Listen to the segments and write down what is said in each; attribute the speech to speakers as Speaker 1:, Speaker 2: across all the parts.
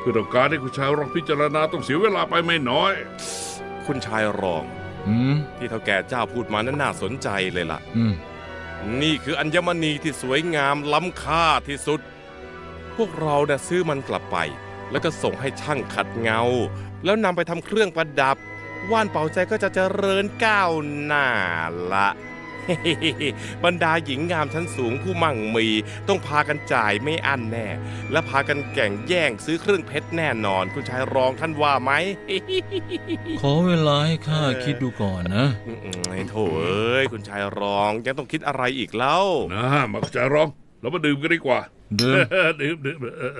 Speaker 1: พื่อต้องการให้คุณชายรองพิจารณาต้องเสียเวลาไปไม่น้อย
Speaker 2: คุณชายรองที่เฒ่าแก่เจ้าพูดมานั้นน่าสนใจเลยล่ะนี่คืออัญมณีที่สวยงามล้ำค่าที่สุดพวกเราเนี่ยซื้อมันกลับไปแล้วก็ส่งให้ช่างขัดเงาแล้วนำไปทำเครื่องประดับว่านเป่าใจก็จะเจริญก้าวหน้าละ บรรดาหญิงงามชั้นสูงผู้มั่งมีต้องพากันจ่ายไม่อั้นแน่และพากันแข่งแย่งซื้อเครื่องเพชรแน่นอนคุณชายรองท่านว่าไหม
Speaker 3: ขอเวลาให้ข้าคิดดูก่อนนะ
Speaker 2: ไอ้โถเอ้ยคุณชายรองยังต้องคิดอะไรอีกเล่า
Speaker 1: นะมาคุณชายรองเรามาดื่มกันดีกว่า
Speaker 3: ดื่ม
Speaker 1: ดื่ม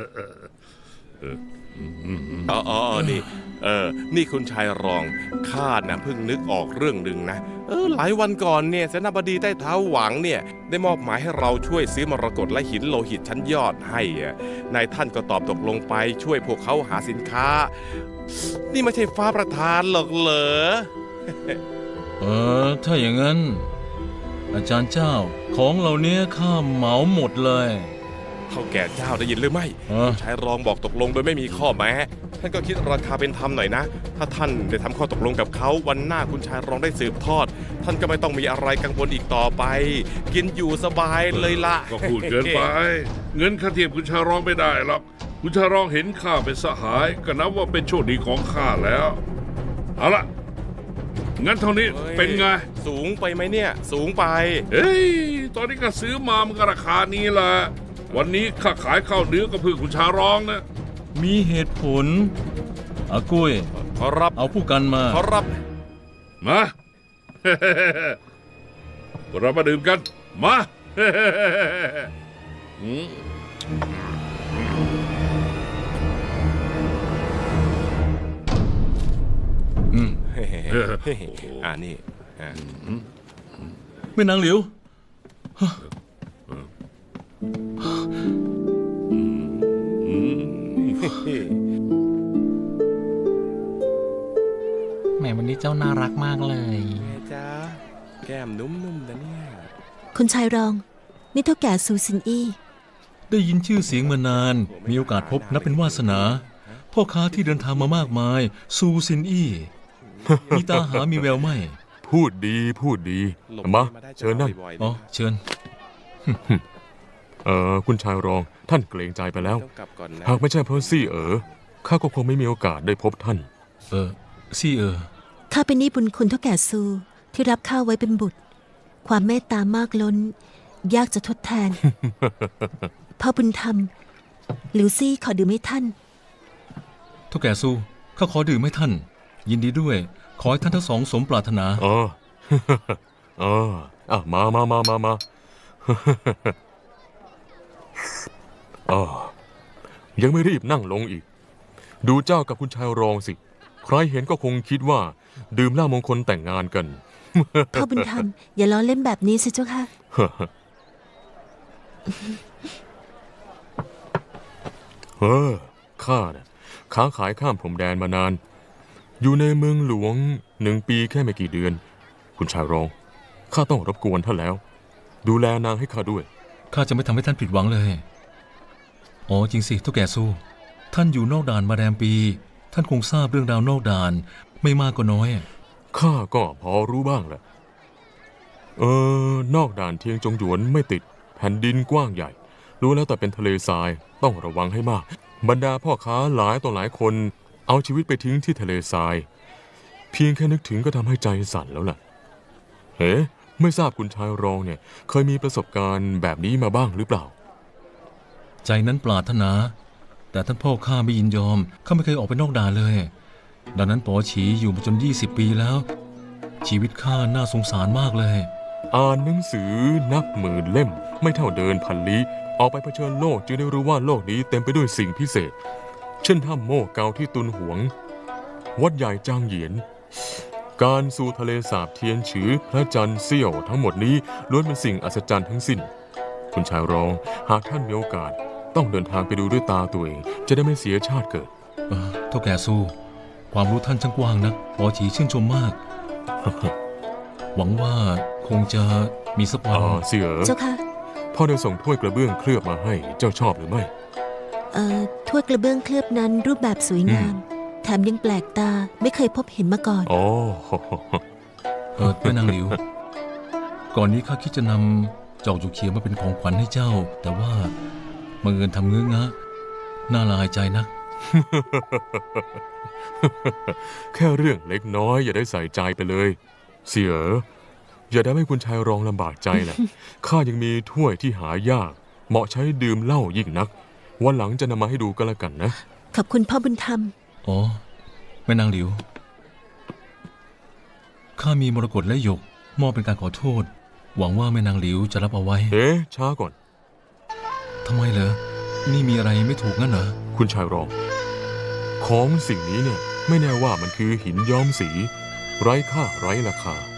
Speaker 2: นี่คุณชายรองข้าน่ะเพิ่งนึกออกเรื่องหนึ่งนะหลายวันก่อนเนี่ยเสนาบดีใต้เท้าหวังเนี่ยได้มอบหมายให้เราช่วยซื้อมรกตและหินโลหิตชั้นยอดให้นายท่านก็ตอบตกลงไปช่วยพวกเขาหาสินค้านี่ไม่ใช่ฟ้าประทานหรอกเหรอ
Speaker 3: ถ้าอย่างนั้นอาจารย์เจ้าของเหล่านี้ข้าเหมาหมดเลย
Speaker 2: เฒ่าแก่เจ้าได้ยินหรือไม่คุณชายรองบอกตกลงโดยไม่มีข้อแม้ท่านก็คิดราคาเป็นธรรมหน่อยนะถ้าท่านได้ทำข้อตกลงกับเขาวันหน้าคุณชายรองได้สืบทอดท่านก็ไม่ต้องมีอะไรกังวลอีกต่อไปกินอยู่สบายเลยละ
Speaker 1: ก็พูดเกินไปเงินค่าเทียมคุณชายรองไม่ได้หรอกคุณชายรองเห็นข้าเป็นสหายก็นับว่าเป็นโชคดีของข้าแล้วเอาละงั้นเท่านี้เป็นไง
Speaker 2: สูงไปไหมเนี่ยสูงไป
Speaker 1: ตอนนี้ก็ซื้อมามันก็ราคานี้แหละวันนี้ข้าขายข้าวเนื้อก็เพื่อคุณชายรองนะ
Speaker 3: มีเหตุผลอากุ้ย
Speaker 2: ขอรับ
Speaker 3: เอาผู้กันมา
Speaker 1: ขอรับมา เรามาดื่มกันมา
Speaker 2: นี่
Speaker 3: แม่นางหลิว
Speaker 4: แหมวันนี้เจ้าน่ารักมากเลย
Speaker 2: แม่จ้าแก้มนุ่มๆนะเนี่ย
Speaker 5: คุณชายรองนี่เท่าแก่ซูซินอี้
Speaker 3: ได้ยินชื่อเสียงมานานมีโอกาสพบนับเป็นวาสนาพ่อค้าที่เดินทางมามากมายซูซินอี้มีตาหามีแววไม่
Speaker 6: พูดดีมาเชิญนั่ง
Speaker 3: อ๋อเชิญ
Speaker 6: คุณชายรองท่านเกรงใจไปแล้วหากไม่ใช่เพราะซี่ข้าก็คงไม่มีโอกาสได้พบท่าน
Speaker 3: ซี่
Speaker 5: ข้าเป็นหนี้บุญคุณเท่าแก่ซูที่รับข้าไว้เป็นบุตรความเมตตามากล้นยากจะทดแทน พ่อบุญธรรมหลิวซี่ขอดื่มให้ท่าน
Speaker 3: เท่าแก่ซูข้าขอดื่มให้ท่านยินดีด้วยขอให้ท่านทั้งสองสมปรารถนา
Speaker 6: มายังไม่รีบนั่งลงอีกดูเจ้ากับคุณชายรองสิใครเห็นก็คงคิดว่าดื่มเหล้ามงคลแต่งงานกัน
Speaker 5: พ่อบุญธรรมอย่าล้อเล่นแบบนี้สิเจ้าค่ะ
Speaker 6: ข้าเนี่ยค้าขายข้ามพรมแดนมานานอยู่ในเมืองหลวง1 ปีแค่ไม่กี่เดือนคุณชายรองข้าต้องรบกวนท่านแล้วดูแลนางให้ข้าด้วย
Speaker 3: ข้าจะไม่ทำให้ท่านผิดหวังเลยอ๋อจริงสิเท่าแก่ซูท่านอยู่นอกด่านมาแรมปีท่านคงทราบเรื่องราวนอกด่านไม่มากก็น้อย
Speaker 6: ข้าก็พอรู้บ้างแหละนอกด่านเทียงจงหยวนไม่ติดแผ่นดินกว้างใหญ่รู้แล้วแต่เป็นทะเลทรายต้องระวังให้มากบรรดาพ่อค้าหลายต่อหลายคนเอาชีวิตไปทิ้งที่ทะเลทรายเพียงแค่นึกถึงก็ทำให้ใจสั่นแล้วล่ะไม่ทราบคุณชายรองเนี่ยเคยมีประสบการณ์แบบนี้มาบ้างหรือเปล่า
Speaker 3: ใจนั้นปรารถนาแต่ท่านพ่อข้าไม่ยินยอมข้าไม่เคยออกไปนอกด่านเลยดังนั้นป๋อฉีอยู่มาจน20 ปีแล้วชีวิตข้าน่าสงสารมากเลย
Speaker 6: อ่านหนังสือนับหมื่นเล่มไม่เท่าเดินพันลี้ออกไปเผชิญโลกจึงได้รู้ว่าโลกนี้เต็มไปด้วยสิ่งพิเศษเช่นถ้ำโม่เกาที่ตุนหวงวัดใหญ่จางเหยียนการสู่ทะเลสาบเทียนฉือพระจันทร์เสี้ยวทั้งหมดนี้ล้วนเป็นสิ่งอัศจรรย์ทั้งสิ้นคุณชายรองหากท่านมีโอกาสต้องเดินทางไปดูด้วยตาตัวเองจะได้ไม่เสียชาติเกิด
Speaker 3: เท่าแก่ซูความรู้ท่านช่างกว้างนักป๋อฉีชื่นชมมาก หวังว่าคงจะมีสักวัน
Speaker 6: เสี่ย
Speaker 5: เจ้าค่ะ
Speaker 6: พ่อได้ส่งถ้วยกระเบื้องเคลือบมาให้เจ้าชอบหรือไม่
Speaker 5: ถ้วยกระเบื้องเคลือบนั้นรูปแบบสวยงาม แถมยังแปลกตาไม่เคยพบเห็นมาก่อน
Speaker 6: อ๋อ
Speaker 3: แม่นางหลิว ก่อนนี้ข้าคิดจะนำจอกจุกเขียวมาเป็นของขวัญให้เจ้า แต่ว่าบังเอิญทำเงื้องะน่าละอายใจนัก
Speaker 6: แค่เรื่องเล็กน้อยอย่าได้ใส่ใจไปเลย เสี่ยอย่าได้ให้คุณชายรองลำบากใจนะ ข้ายังมีถ้วยที่หายาก เหมาะใช้ดื่มเหล้ายิ่งนัก วันหลังจะนำมาให้ดูก็แล้วกันนะ
Speaker 5: ขอบคุณพ่อบุญธรรม
Speaker 3: อ๋อแม่นางหลิว ข้ามีมรกตและหยกมอบเป็นการขอโทษ หวังว่าแม่นางหลิวจะรับเอาไว้
Speaker 6: ช้าก่อน
Speaker 3: ทำไมเหรอ นี่มีอะไรไม่ถูกงั้นเหรอ
Speaker 6: คุณชายรอง ของสิ่งนี้เนี่ยไม่แน่ว่ามันคือหินย้อมสี ไร้ค่าไร้ราคา